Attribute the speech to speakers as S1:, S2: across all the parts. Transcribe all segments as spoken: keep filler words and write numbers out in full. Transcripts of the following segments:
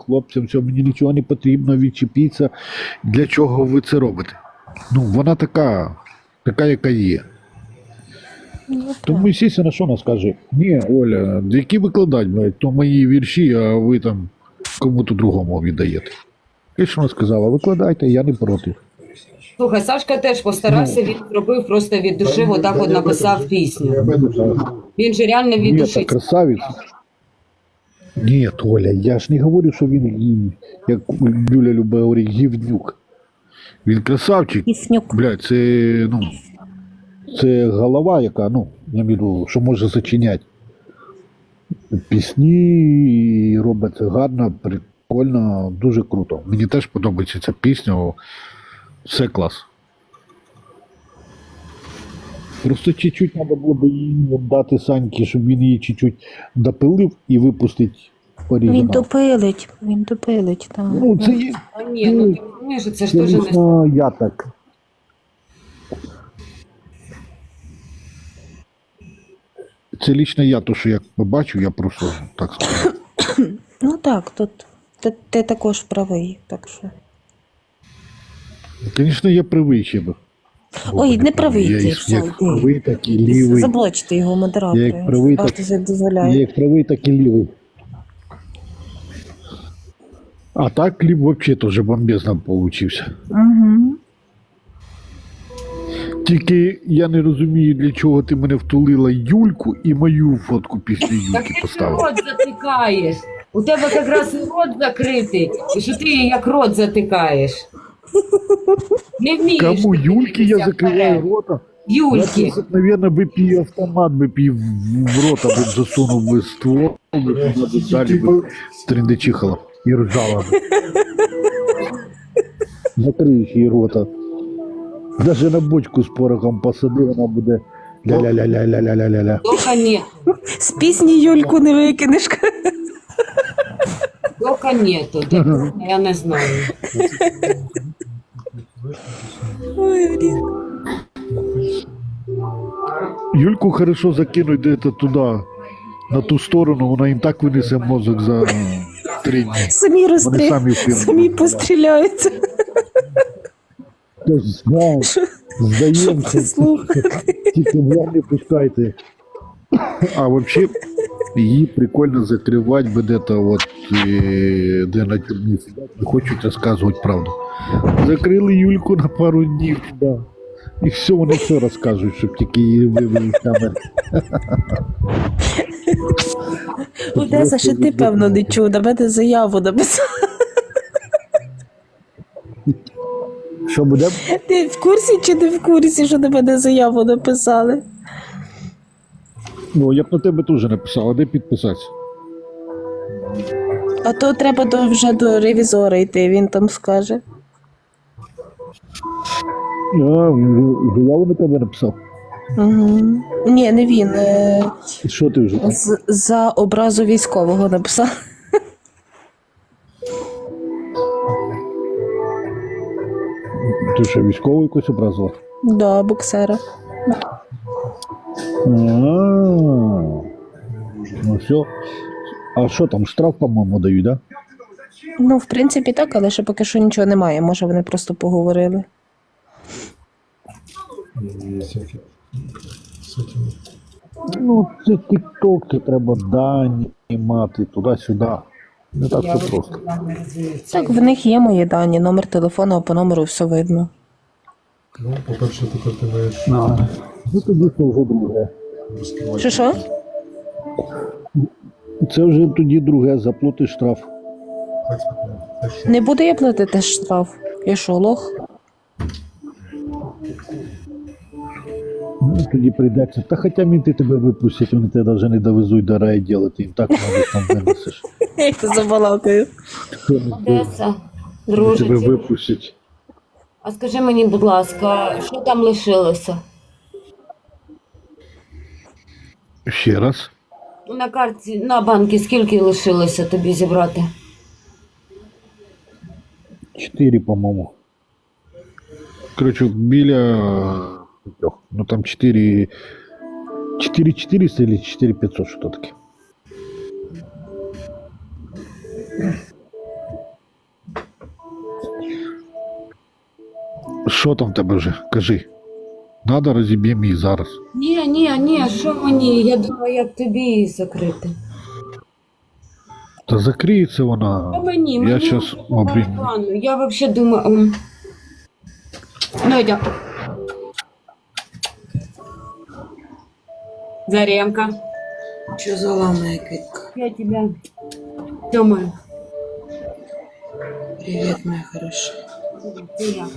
S1: хлопцям, все, мені нічого не потрібно, відчепіться. Для чого ви це робите? Ну, вона така, така, яка є.
S2: Ну,
S1: Тому, звісно, що вона скаже? Ні, Оля, які викладати, блядь, то мої вірші, а ви там кому-то другому віддаєте. І що вона сказала? Викладайте, я не проти.
S3: Слухай, Сашка теж постарався, він зробив просто від душі, отак от написав пісню. Він же реально від
S1: Ні, та
S3: душі.
S1: красавець. Ні, Оля, я ж не говорю, що він, гі- як Юля любить говорить, гівнюк. Він красавчик.
S2: Іфнюк.
S1: Блядь, це, ну, це голова, яка, ну, я маю, в виду, що може зачиняти. Пісні робить це гарно, прикольно, дуже круто. Мені теж подобається ця пісня, все клас. Просто чуть-чуть треба було б їй дати Саньки, щоб він її чуть-чуть допилив і випустить в оригінал.
S2: Він допилить, він допилить, так.
S1: Ну, це є,
S3: А ні, ну ти розумієш, це ж
S1: це
S3: теж не...
S1: лично я так. Це лично я, то, що я побачу, я просто так скажу.
S2: Ну так, тут ти, ти також правий, так що.
S1: Звісно, я правий ще би.
S2: Ой, не правий
S1: Я
S2: ти,
S1: як-
S2: все,
S1: як
S2: йди.
S1: правий, так і лівий.
S2: Заблочте його,
S1: Я
S2: модератори.
S1: як правий, так-
S2: Правда, це
S1: Я
S2: дозволяє.
S1: як правий, так і лівий. А так кліп взагалі теж бомбезно получився.
S2: Угу.
S1: Тільки я не розумію, для чого ти мене втулила Юльку і мою фотку після
S3: Так
S1: Юльки
S3: ти ж
S1: поставила.
S3: рот затикаєш. У тебе якраз і рот закритий, і що ти як рот затикаєш. Не вмієш.
S1: Кому
S3: ти
S1: Юльки я
S3: дивитися
S1: закриваю
S3: вперед.
S1: рота?
S3: Юльки.
S1: Я, наверное, би б її автомат би б її в в рота би засунув би ствол, би вона б далі би трендечихала і ржала би. Закриєш її рота. Даже на бочку з порохом посади, вона буде ля-ля-ля-ля-ля-ля-ля-ля.
S3: Дока ні.
S2: З пісні Юльку не викинеш.
S3: Дока нету. Дока, я не знаю.
S2: Ой, блін.
S1: Юльку хорошо закинуть де-то туди, на ту сторону, вона їм так винесе мозок за три дні.
S2: Самі
S1: Вони
S2: розстрі...
S1: самі впевнені.
S2: самі постріляються.
S1: Ти ж знаєш, здаємося,
S2: Слухай.
S1: тільки мене не пускайте. А взагалі, її прикольно закривати би де-то от, е, де на тюрмі сидять, не хочуть розказувати правду. Закрили Юльку на пару днів, да. І все, вони все розкажуть, щоб тільки її вивели з камери.
S2: Одеса, ще ти, певно, не чув, на мене заяву написав.
S1: Що буде?
S2: Ти в курсі чи не в курсі, що на мене заяву написали?
S1: Ну, я б на тебе теж написав, а де підписатися?
S2: А то треба до, вже до ревізора йти, він там скаже.
S1: А, заяву на тебе написав.
S2: Угу. Ні, не він. Е,
S1: І що ти вже?
S2: з, за образу військового написав.
S1: Ти що, військовий якось образував?
S2: Да, боксера.
S1: А, ну все. А що там, штраф, по-моєму, дають, да?
S2: Ну, в принципі, так, але ще поки що нічого немає. Може, вони просто поговорили.
S1: Ну, це тік-ток, це треба дані мати, туди-сюди. Не так все просто.
S2: Так, в них є мої дані, номер телефону, а по номеру все видно.
S4: Ну, по-перше, тепер ти маєш
S1: А, ну тоді це вже друге.
S4: розкривати.
S2: Що що?
S1: Це вже тоді друге, заплати штраф.
S4: Так, спокійно. Так що,
S2: Не буду я платити штраф. Я що, лох?
S1: Ну, тоді прийдеться. Та хоча мінти тебе випустять, вони тебе навіть не довезуть до райділа, ти їм так мабуть там винесеш.
S2: Я їх забалакаю.
S1: Хто не
S3: Одеса,
S1: тебе
S3: дружиці.
S1: випустять.
S3: А скажи мені, будь ласка, що там лишилося?
S1: Ще раз.
S3: На карті, на банки скільки лишилося тобі зібрати?
S1: Чотири, по-моєму. Коротше, біля трьох. Ну там чотири. чотири чотириста или чотири п'ятсот, що таке. Що там в тебе вже? Кажи. Надо, розіб'ємо її зараз.
S3: Ні, ні, ні, що мені? Я думаю, як тобі її закрити.
S1: Та закриється вона.
S3: А мені,
S1: Я
S3: мені
S1: щас
S3: по
S1: обрію.
S3: барабану. Я взагалі думаю... м. Ну, йдем. Заремка.
S5: Что за ламая китка?
S3: Я тебя... Тёма.
S5: Привет, моя хорошая.
S3: Ты я.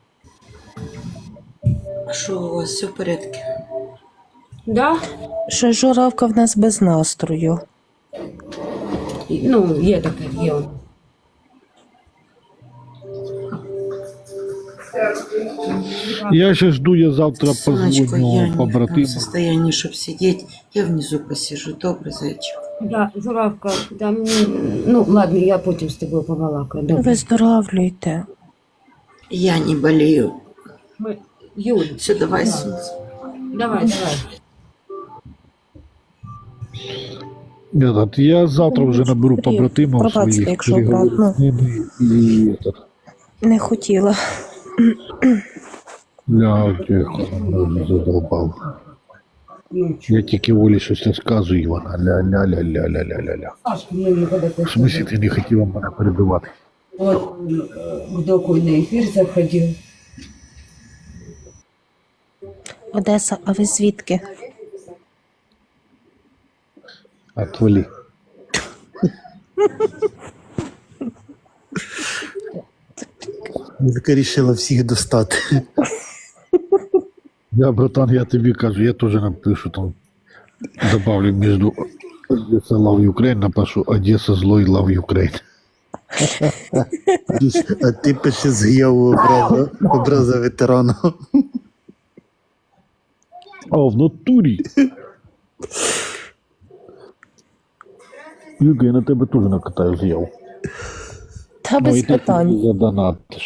S5: А что у вас все в порядке?
S3: Да?
S2: Що журавка в нас без настрою.
S3: Ну, є таке, є.
S1: Я ще жду, я завтра
S5: Сонечко, я
S1: позвоню
S5: не в том
S1: побратиму.
S5: состоянии, чтобы сидеть. Я внизу посижу. Добрый зайчик.
S3: Да, журавка, да, м, ну, ладно, я потім з тобою побалакаю. Добре.
S2: Виздоравлюйте.
S5: Я не болею.
S3: Ми... Юль,
S5: Все, давай,
S3: Да.
S5: солнце.
S3: давай, давай.
S1: Этот, я завтра вже наберу
S2: Привіт.
S1: побратимів
S2: Пробачте,
S1: своїх,
S2: якщо
S1: переговорю
S2: обратно.
S1: з ними і этот,
S2: Не хотіла.
S1: ля, тихо, мене задовбав. Я тільки Олі щось розказую, і вона ля-ля-ля-ля-ля-ля-ля.
S3: Сашка мені коли
S1: В смысле ти не хотіла мене перебивати?
S3: Вот в доку на ефір заходив.
S2: Одеса, а ви звідки?
S1: Отвали.
S6: Вілька рішила всіх достати.
S1: Я, братан, я тобі кажу, я теж напишу там, добавлю между Одесса Love Ukraine, напишу Одесса злой Love Ukraine.
S6: А ти пиши заяву образа, образа ветерана.
S1: А, в натурі. Юга, я на тебе теж накатаю заяву.
S2: Та
S1: Ну, і
S2: без
S1: ти
S2: питань.
S1: тобі задонатиш.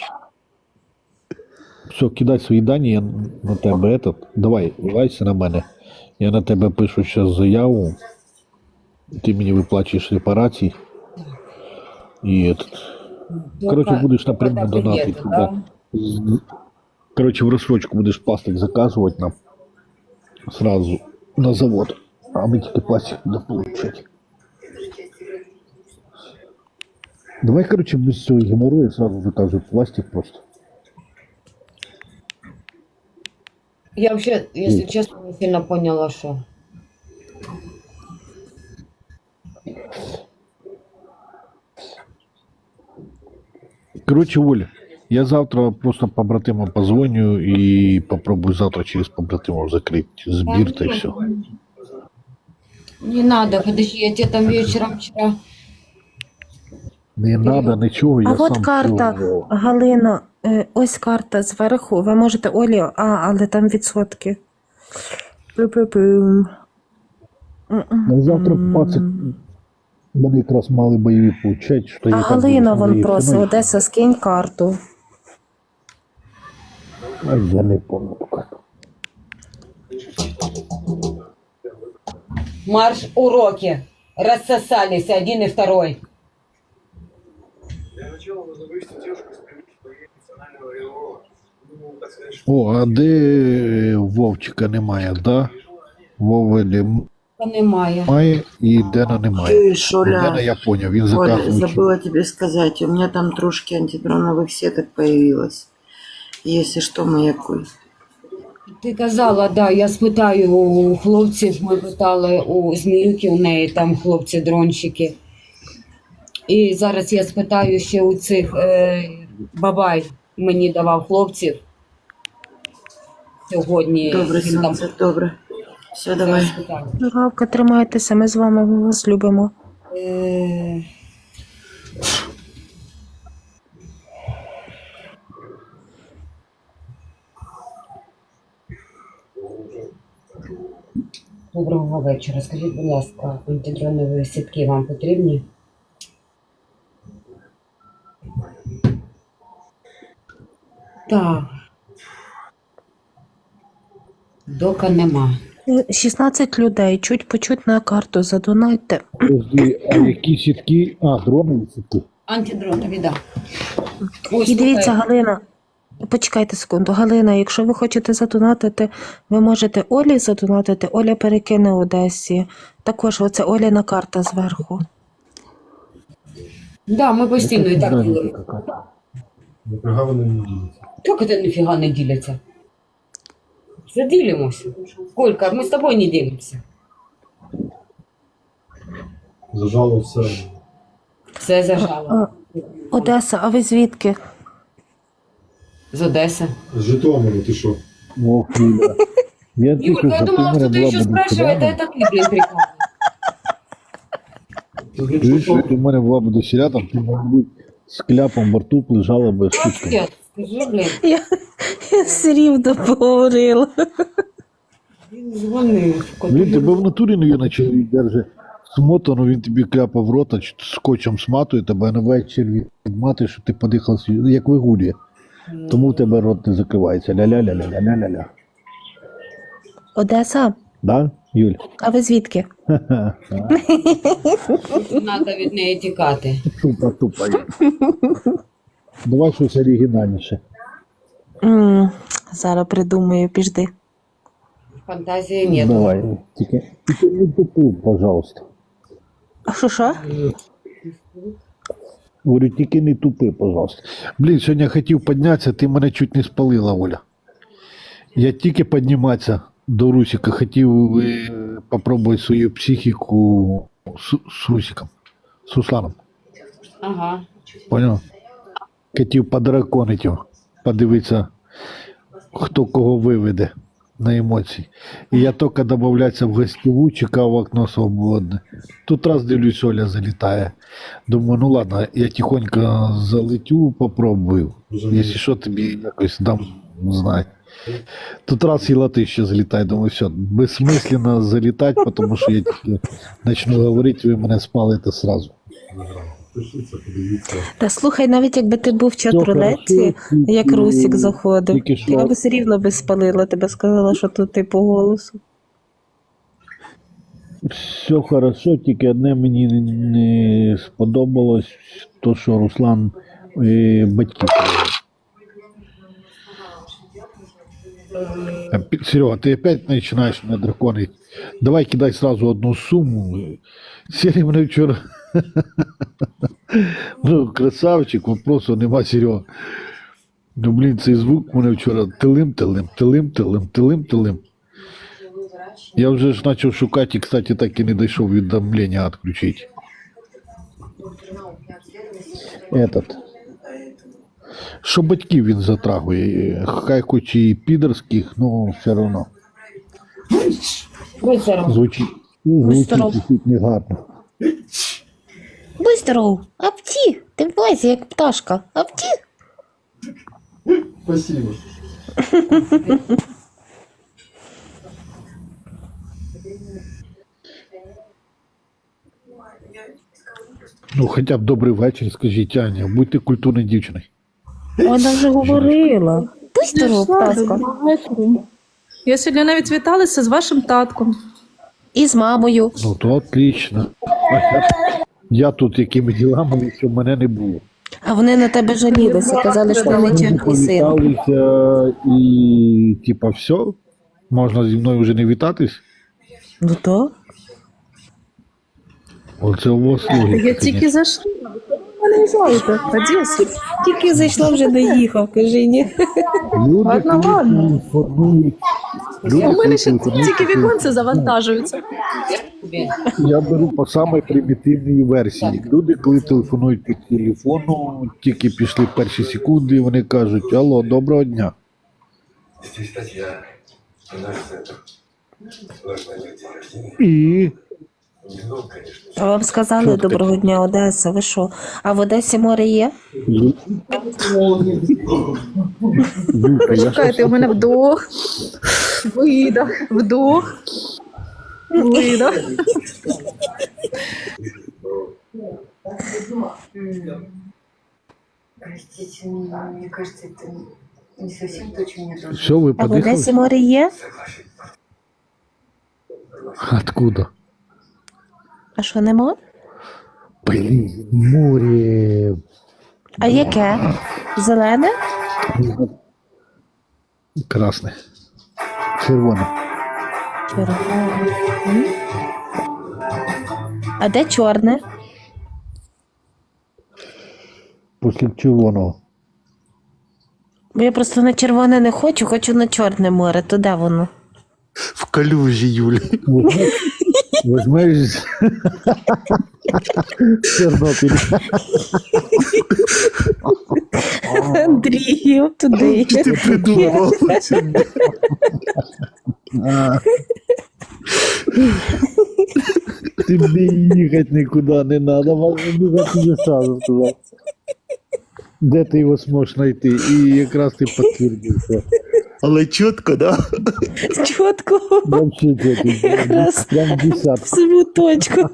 S1: Все, кидай свої дані, я на тебе этот. Давай, вилайся на мене. Я на тебе пишу зараз заяву. Ти мені виплачуєш репарації. І этот. Короче, будеш напряму донатити туди. З- Короче, в розсрочку будеш пластик заказувати нам сразу на завод. А ми тільки пластик будемо получати. Давай, короче, без цього геморрою сразу заказывай пластик просто.
S3: Я вообще, если честно, не сильно поняла, що.
S1: Короче, Оля, я завтра просто побратимам позвоню и попробую завтра через побратимов закрыть сбир, и все.
S3: Не надо, подожди, я тебе там вечером вчера...
S1: Не надо нічого, я
S2: А
S1: сам
S2: от карта,
S1: всё-
S2: Галина, е, ось карта зверху. Ви можете Олі, а, але там відсотки. Пу-пу-пум.
S1: Ну, завтра пацик вони якраз мали бойові получать, що
S2: А
S1: я там
S2: Галина
S1: буду
S2: вон
S1: своєю
S2: просить,
S1: ціною.
S2: Одеса, скинь карту.
S1: А я не помню ту карту.
S3: Марш уроки. Рассосались один и второй.
S7: Для начала нужно вывести девушку из привычки своей национального РИО. Ну, так сказать,
S1: О, а де Вовчика немає, да? Вови
S3: Та немає.
S1: немає і Дена немає.
S5: Чуешь,
S1: Дена
S5: Оля?
S1: я поняв, він
S5: Оля,
S1: заказує.
S5: забыла тебе сказать, у меня там трошки антидроновых сеток появилось. Если что, маякуй.
S3: Ти казала, да, я спитаю у хлопців, ми питали у Зміюки, у неї там хлопці-дронщики. І зараз я спитаю ще у цих, е, Бабай мені давав хлопців сьогодні.
S5: Добре,
S3: Він там
S5: сонце, добре. Все, давай.
S3: спитав.
S2: Журавка, тримайтеся, ми з вами, ми вас любимо.
S3: Е, Доброго вечора. Скажіть, будь ласка, антидронові сітки вам потрібні? Так. Дока нема.
S2: Е, шістнадцять людей, чуть по чуть на карту задонайте.
S1: Подожди, а які сітки? А, дронові сітки.
S3: Антидронові, да. Ось
S2: І дивіться,
S3: така-
S2: Галина, Почекайте секунду. Галина, якщо ви хочете задонатити, ви можете Олі задонатити. Оля перекине Одесі. Також оце Оліна карта зверху.
S3: Да, ми постійно і так ділимо.
S4: Нафіга вони не діляться?
S3: Як це ніфіга не діляться? Заділимося. Колька, ми з тобою не ділимося.
S4: Зажало все.
S3: Все зажало.
S2: Одеса, а ви звідки?
S3: З Одеси.
S4: З Житомиру, ти що?
S1: Ох, Юля. Я
S3: Юлька,
S1: тільки
S3: я
S1: за
S3: думала,
S1: мене
S3: что ты
S1: була
S3: еще
S1: б
S3: спрашиваешь, а это ты, блин, прикол.
S4: Ти
S1: Чуєш,
S4: що?
S1: якщо в мене була б досіля, там ти, мабуть, з кляпом в рту лежала би штучками.
S3: Нет, скажи, блин.
S2: Я, я все рівно поговорила.
S3: Він дзвонив.
S1: Блін, тебе в натурі, навіть, чоловік держить смотану, він тобі кляпа в рота, чи скотчем сматує тебе, а на вечір відмати, що ти подихав, свій- як вигулює. Тому в тебе рот не закривається. Ля-ля-ля-ля-ля-ля-ля.
S2: Одеса,
S1: Да, Юль?
S2: а ви звідки?
S3: Треба від неї тікати.
S1: Тупа, тупа. Давай щось оригінальніше.
S2: М, Зараз придумаю, піжди.
S3: Фантазії нет.
S1: Давай. Тільки, тільки не тупи, пожалуйста.
S2: А що що?
S1: Говорю, тільки не тупи, пожалуйста. Блін, сьогодні я хотів піднятися, ти мене чуть не спалила, Оля. Я тільки підніматися до Русика, хотів е, попробувати свою психіку з, з Русиком, з Русланом.
S3: Ага.
S1: Понял? Хотів подраконити його, подивитися, хто кого виведе на емоції. І я тільки додавлятися в гостєву, чекав окно свободне. Тут раз дивлюсь, Оля залітає. Думаю, ну ладно, я тихонько залетю, попробую. Якщо що, тобі якось дам знати. Тут раз і лати ще залітає, думаю, все, безсмисленно залітати, тому що я тільки почну говорити, ви мене спалите сразу.
S4: Пишіться, подивіться.
S2: Та слухай, навіть якби ти був в
S1: Все
S2: чатрулеті,
S1: хорошо,
S2: як
S1: тільки-
S2: Русік заходив,
S1: тільки що-
S2: я би все рівно би спалила тебе, сказала, що тут ти по голосу.
S1: Все хорошо, тільки одне мені не, не сподобалось, то, що Руслан е, батьків. Серега, ти опять починаєш мене драконити. Давай кидай сразу одну суму. Сергій мене вчора. Ну, красавчик, вопросу нема, Серега. Ну, блін, цей звук мене вчора тилим-тилим, тилим-тилим, тилим-тилим. Я вже ж почав шукати, і, кстати, так і не дійшов уведомлення відключити. Этот. Що батьків він затрагує, хай хоч і підерських, ну все одно.
S3: Будь здоров.
S1: Звучить,
S2: Будь здоров.
S1: звучить чуть не гарно.
S2: Будь здоров, апті, ти в лазі, як пташка, апті.
S4: Спасибо.
S1: Ну, хоча б добрий вечір, скажіть, Аня, будьте культурною дівчиною.
S2: Вона вже говорила. Будь здоров, пташка.
S8: Я сьогодні навіть віталася з вашим татком.
S2: І з мамою.
S1: Ну, то отлично. А я, я тут якими ділами, що мене не було.
S2: А вони на тебе жалілися, казали, що ти нечемний син.
S1: Повіталися і, типа, все, можна зі мною вже не вітатись.
S2: Ну то.
S1: Оце у вас логіка.
S8: Я тільки зайшла. Ви не знаєте, Одесі.
S2: Тільки зайшла, вже доїхав, кажи ні.
S1: Люди,
S8: Ладно,
S1: коли
S8: ладно.
S1: інформують, люди,
S8: У мене ще
S1: коли
S8: тільки
S1: інформують,
S8: віконці завантажуються.
S3: Тобі.
S1: я беру по самій примітивній версії. Люди, коли телефонують по телефону, тільки пішли перші секунди, вони кажуть: алло, доброго дня.
S7: Здесь статья. Наш центр. Должна быть день рождения.
S1: І
S7: Ну, конечно.
S2: А вам сказали
S1: Що таке?
S2: доброго дня, Одеса, ви що? А в Одесі море є?
S1: Юлька, я
S8: Чекайте, у мене вдох, видох, вдох, видох.
S9: Простите, мне кажется, это не совсем то, чем я должна.
S1: Все, ви
S2: А в
S1: подихали?
S2: Одесі море є?
S1: Откуда?
S2: А що, нема?
S1: Блін, море.
S2: А яке? Зелене?
S1: Красне. Червоне.
S2: Червоне. А де чорне?
S1: Після червоного.
S2: Бо я просто на червоне не хочу, хочу на Чорне море. То де воно?
S6: В калюжі, Юлі.
S1: Возьмеш Чорнобиль.
S2: Андрію, туди.
S6: Ти придумав.
S1: А. Тобі їхати нікуди не треба, можна бігати не сразу туди. Де ти його зможеш знайти? І якраз ти підтвердився.
S6: Але чітко, да?
S2: Чітко.
S1: Вообще ти
S2: Якраз.
S1: прям десятка.
S2: В саму точку.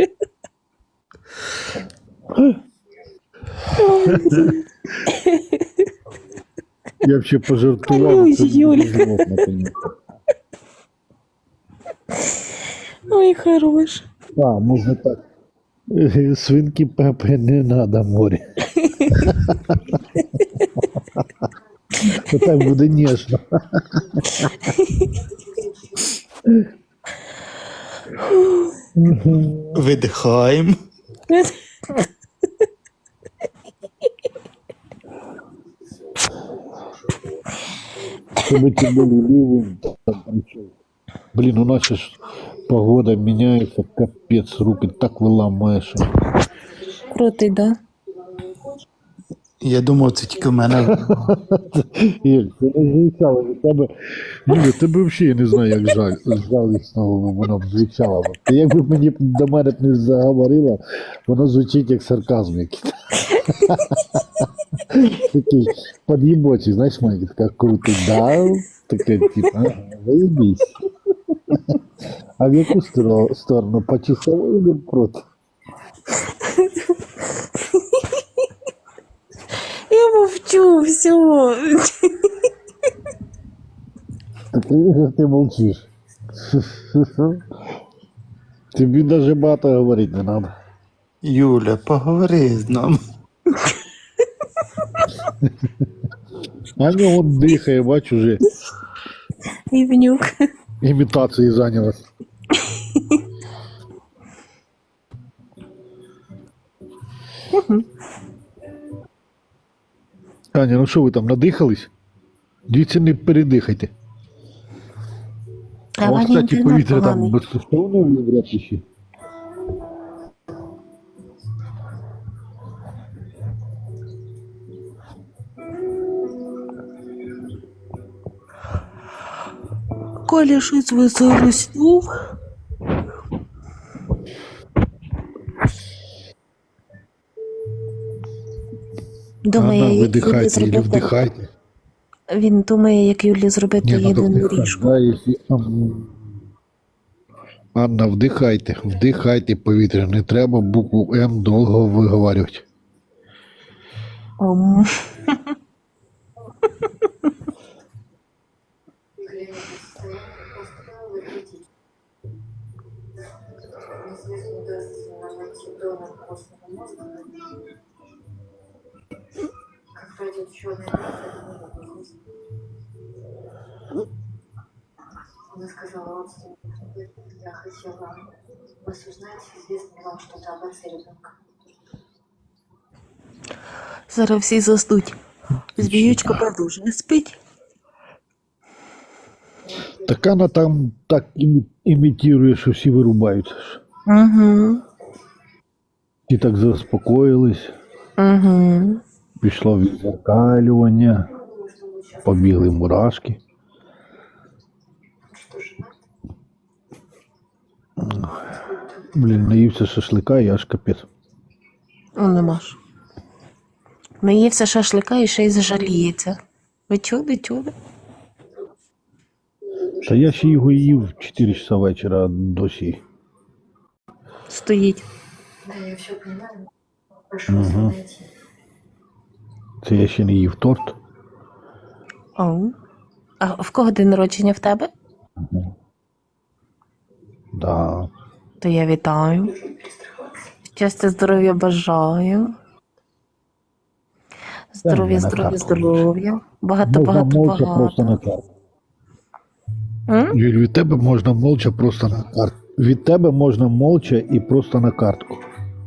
S1: Я вообще пожартував.
S2: Калюсь,
S1: це
S2: Юля.
S1: дуже зло, наконець.
S2: Ой, хорош.
S1: А, можна так. Е, Свинки Пепе не надо море. Так буде ніжно.
S6: Видихаємо.
S1: Чтобы тебе были ливень, там причем. Блин, у нас сейчас погода меняется, капец, руки так выламаешь.
S2: Крутий, да?
S6: Я думав, це тільки в мене.
S1: Іль, ти не звучало від тебе. Ні, тебе взагалі я не знаю, як жаль. Жалісно воно б звучало. Ти якби мені до мене б не заговорила, воно звучить як сарказм якийсь. Такий под'єбочий, знаєш, має така крутий, да? Таке, типу, ага, виїбісь. А в яку сторону? сторону? По часовой или проти?
S2: Я мовчу, все.
S1: Так ты, ты молчишь. Тебе даже багато говорить не надо.
S6: Юля, поговори з нами.
S1: Аня он дихає, бач, уже
S2: Івнюк.
S1: імітацією зайнялась. Аня, ну що ви там, надихались? Дивіться, не передихайте.
S2: А
S1: А от,
S2: Ваня
S1: кстати,
S2: інтернет
S1: повітря там
S2: поганий.
S1: безкоштовне в Європі ще.
S2: Коля щось висоруснув. Думає,
S1: Ага,
S2: як Юлі
S1: видихайте или
S2: зробити.
S1: вдихайте.
S2: Він думає, як Юлі зробити
S1: Не, надо
S2: єдину
S1: вдихать,
S2: ріжку.
S1: да, если... ам, Анна, вдихайте, вдихайте повітря, не треба букву М довго виговорювати.
S2: Ом.
S9: Глядя на состояние, просто выглядеть. Если не удастся найти донор костного мозга, как пройдет черный месяц, она сказала родственнику, я хотела вас узнать, известно ли вам что-то об отце ребенка.
S2: Зараз всі заснуть. Збіючка продовжує спить.
S1: Так вона там так імі- імітує, що всі вирубаються.
S2: Угу.
S1: І так заспокоїлись,
S2: Угу.
S1: пішло відзеркалювання, побігли мурашки. Блін, наївся шашлика і аж капець.
S2: Ну, нема ж. Наївся шашлика і ще й зажаліється. Ви чули, чули?
S1: Та я ще його їв в чотири часа вечора, а досі.
S2: Стоїть.
S9: Да, я все понимаю. Прошу вас
S1: Мгм.
S9: найти.
S1: Це я ще не їв торт.
S2: О. А в кого день народження в тебе?
S1: Да.
S2: То я вітаю. Щастя, здоров'я бажаю. Здоров'я,
S1: на
S2: здоров'я,
S1: картку.
S2: здоров'я. Багато,
S1: Можна
S2: багато,
S1: молча просто на
S2: багато.
S1: картку.
S2: М?
S1: Юль, від тебе можна молча просто на картку. Від тебе можна молча і просто на картку.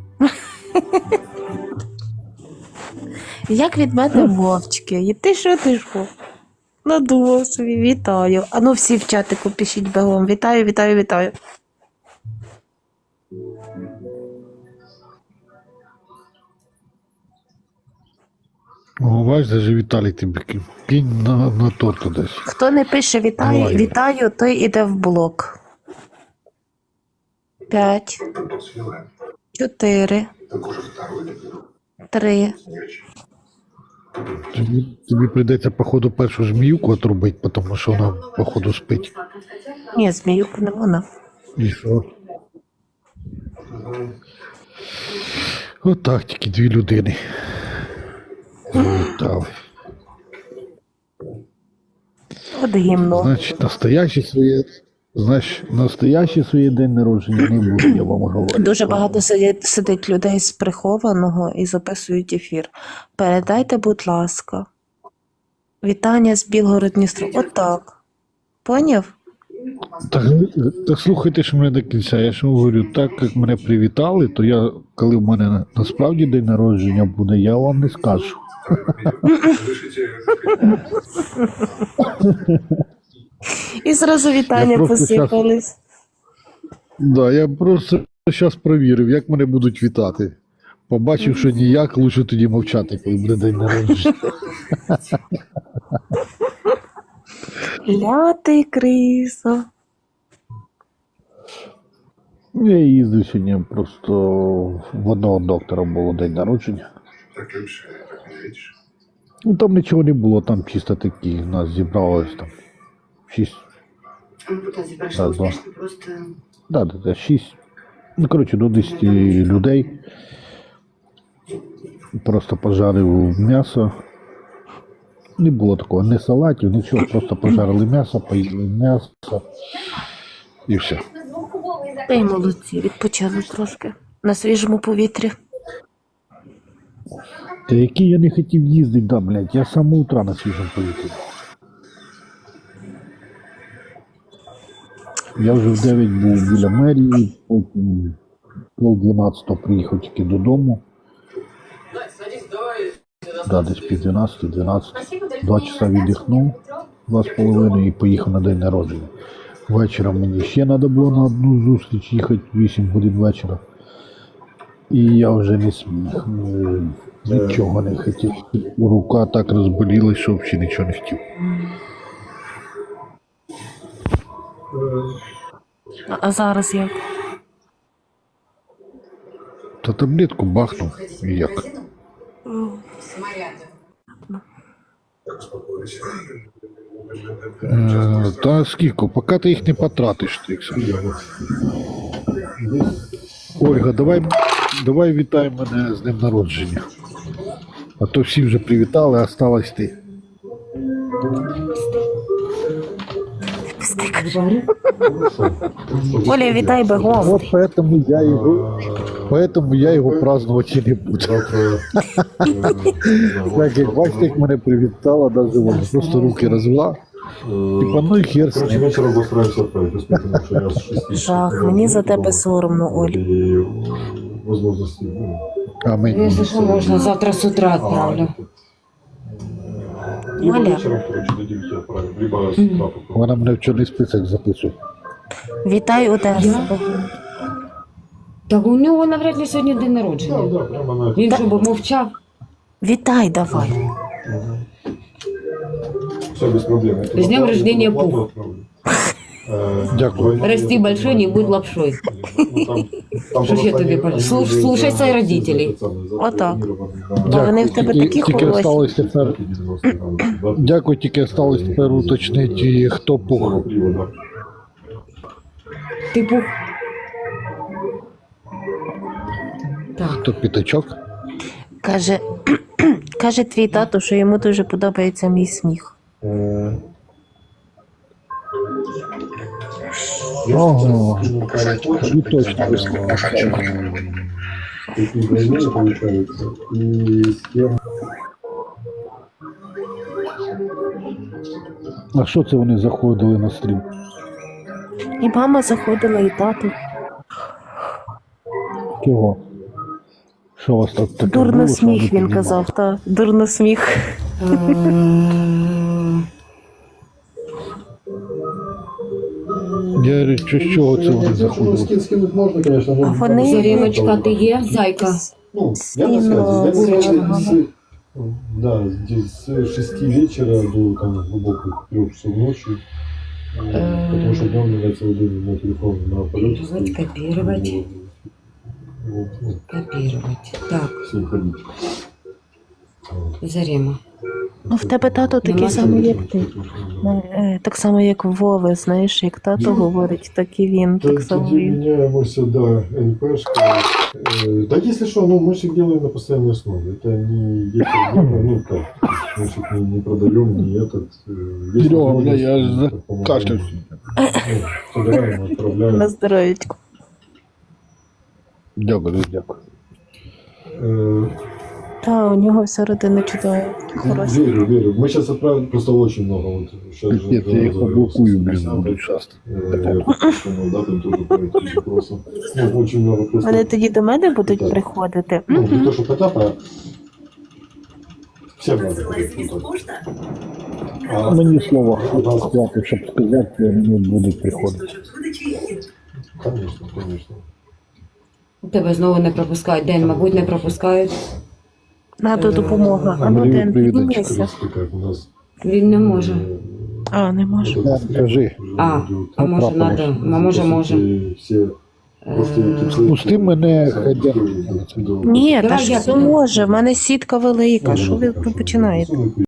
S2: Як від мене мовчки. І ти що, ти що? Надумав собі, вітаю. А ну всі в чатику пишіть бегом. Вітаю, вітаю, вітаю.
S1: О, бач, даже Віталій тобі кинь. Кинь на, на торт десь.
S2: Хто не пише вітаю,
S1: Давай.
S2: вітаю, той іде в блок. П'ять, чотири, три.
S1: Тобі, тобі прийдеться, походу, першу зміюку отрубити, тому що вона, походу, спить.
S2: Ні, зміюку не вона.
S1: І що? Отак тільки дві людини. Завітали.
S2: От гімно.
S1: Значить, настоящий своє, значить, настоящий своє день народження не буде, я вам говорю.
S2: Дуже багато сидять, сидить людей з прихованого і записують ефір. Передайте, будь ласка. Вітання з Білгород-Дністро. Отак. Поняв?
S1: Так, так слухайте ж мене до кінця. Я ж вам говорю, так як мене привітали, то я, коли в мене на- насправді день народження буде, я вам не скажу.
S7: Разрешите
S2: І зразу вітання
S1: Я просто
S2: посипались.
S1: Да, я просто зараз провірив, як мене будуть вітати. Побачив, що ніяк, лучше тоді мовчати, коли буде день народження.
S2: Лятий крисо.
S1: Я їздив сьогодні, просто в одного доктора було день народження.
S7: Так лучше, не видишь?
S1: Ну там нічого не було, там чисто такі, нас зібралось там шість.
S9: Ампутацию
S1: Да,
S9: прошла
S1: да.
S9: успешно, просто...
S1: Да, да, да, шість. Ну, коротше, до десяти людей. Просто пожарив м'ясо. Не було такого, не салатів, нічого, просто пожарили м'ясо, поїли м'ясо і все.
S2: Та й молодці, відпочили трошки. На свіжому повітрі.
S1: Та який я не хотів їздити, да, блядь, я з самого утра на свіжому повітрі. Я вже в дев'ять був біля мерії, потім пол дванадцятого приїхав тільки додому. Да, десь пів дванадцятого, дванадцять. Два часа віддихнув, два з половиною і поїхав на день народження. Вечором мені ще треба було на одну зустріч їхати, вісім годин вечора. І я вже не сміг, е, нічого не хотів. Рука так розболілась, що взагалі нічого не хотів.
S2: А, а зараз як?
S1: Та таблетку бахнув і як. Е, та скільки, поки ти їх не потратиш, Трікса. Ольга, давай, давай вітай мене з днем народження. А то всі вже привітали, а осталась ти.
S2: Оля, вітай бегом.
S1: Вот поэтому я его, поэтому я його празднувати і не буду. Так, як бачите, як мене привітала, даже вона просто руки розвела. Типа, ну і хер з
S4: Короче,
S1: ним.
S4: вечером постараемся отправить, посмотрим, что я с шести.
S2: Жах, мені за тебе соромно, Оль.
S4: И возможности, ну,
S1: А мені.
S3: Якщо що, можна завтра з утра відправлю.
S4: либо
S2: Оля.
S4: вечером, короче, до девяти отправим, либо с утра попробуем.
S1: Вона мене в чорний список записує.
S2: Вітай Одесу.
S3: Я? Так у нього навряд ли сьогодні день
S4: Да,
S3: народження.
S4: да, прямо на
S3: Він що би мовчав?
S2: Вітай давай.
S4: Все без проблем. Я туда
S3: С днем
S4: плату-
S3: рождения,
S4: плату
S3: Пух.
S4: отправлю. Э,
S1: Дякую.
S4: двойные-
S3: Расти большой, не будь лапшой.
S4: Ну, там- там
S3: Что ж я
S4: просто
S3: тебе
S4: они-
S3: пон-
S4: они
S3: Слуш-
S4: уже
S3: слушай
S4: за-
S3: своих родителей.
S4: за- за-
S2: Отак.
S4: запланированы,
S2: Бо
S4: да.
S2: вони в тебе
S1: Тільки-
S2: такі
S1: Тільки
S2: хороші.
S1: осталось тепер.
S4: девяносто градусов, да.
S1: Дякую, тільки осталось тепер уточнити, хто пух.
S4: Самого пива, да.
S3: Ти пух. Так.
S1: Хто п'ятачок?
S2: Каже, каже твій тато, що йому дуже подобається мій сміх.
S4: Э,
S1: Ого,
S4: ну,
S1: і точно вийшло.
S4: Такие двойные получаются. И с кем
S1: А що це вони заходили на стрім?
S2: І мама заходила, і тато.
S1: Чого? Що у вас так таке?
S2: Дурно
S1: було, що
S2: сміх,
S1: вони
S2: він
S1: піднімали?
S2: казав, та дурно сміх.
S3: Е,
S1: Я говорю, що з чого це вони
S4: Якщо
S1: заходили?
S4: скин скинуть можна, конечно.
S2: А вони-
S3: Заріночка, ти є, зайка?
S4: Ну, я на
S2: Скину,
S4: связи. Я
S2: ага.
S4: с, да, здесь с шести вечера до там глубоких трех часов ночи. Э,
S3: Э.
S4: Потому что днем меня целый день на телефон на полете
S3: Вот
S4: стоит.
S3: копировать.
S4: Вот, ну,
S3: Копірувати. Так,
S4: всем ходить. Вот.
S3: Зарема.
S2: Ну, в тебе тато такий
S3: Нема
S2: самий, як ти.
S4: Ну,
S2: Е, Так само, як Вове, знаєш, як тато говорить, так і він,
S4: т-
S2: так само
S4: Тоді
S2: він.
S4: меняемся, да, НПшка. Э, Да если что, ну мы же их делаем на постоянной основе. Это не если делаем, ну как, мы же их не, не продаем, не этот. э, есть
S1: Серега, бля, я
S4: возможность,
S1: за-
S4: так помогаем.
S1: кашлявся.
S4: Ну, собираем, отправляем.
S2: На здоров'ячку.
S1: Дякую, дякую.
S4: Э,
S2: Та, у нього вся родина чудова, хороша.
S4: Верю, верю. Мы сейчас отправим просто очень много. Вот сейчас же
S1: Нет, я їх поблокую, блін, будуть часто.
S4: Э, да, там тоже по этим вопросам. Ну, очень много просто.
S2: Вони тоді до мене будуть
S4: Так.
S2: приходити.
S4: Ну, не
S2: Мгм.
S4: то, что хотят, а всем надо. А,
S1: Мені слово сказати, щоб сказати, мені будуть приходити.
S4: конечно, конечно.
S3: Тебе знову не пропускають. День, мабуть, не пропускають.
S2: Надо допомога. А ну,
S1: Марію,
S2: Ден,
S1: привіт,
S2: піднімися.
S4: Просто как у нас.
S3: Він не може.
S4: э,
S2: А, не можу.
S4: вот этот
S1: Да, скажи.
S4: уже
S3: А,
S4: идет.
S3: а може
S1: Потрапилось.
S3: надо, а може може.
S4: И все просто
S3: Е,
S4: эти-
S1: Пусти мене, хай Ден.
S2: Ні,
S3: Давай
S2: та ж
S3: я
S2: все
S3: піду.
S2: може, в мене сітка велика. Що ви починаєте?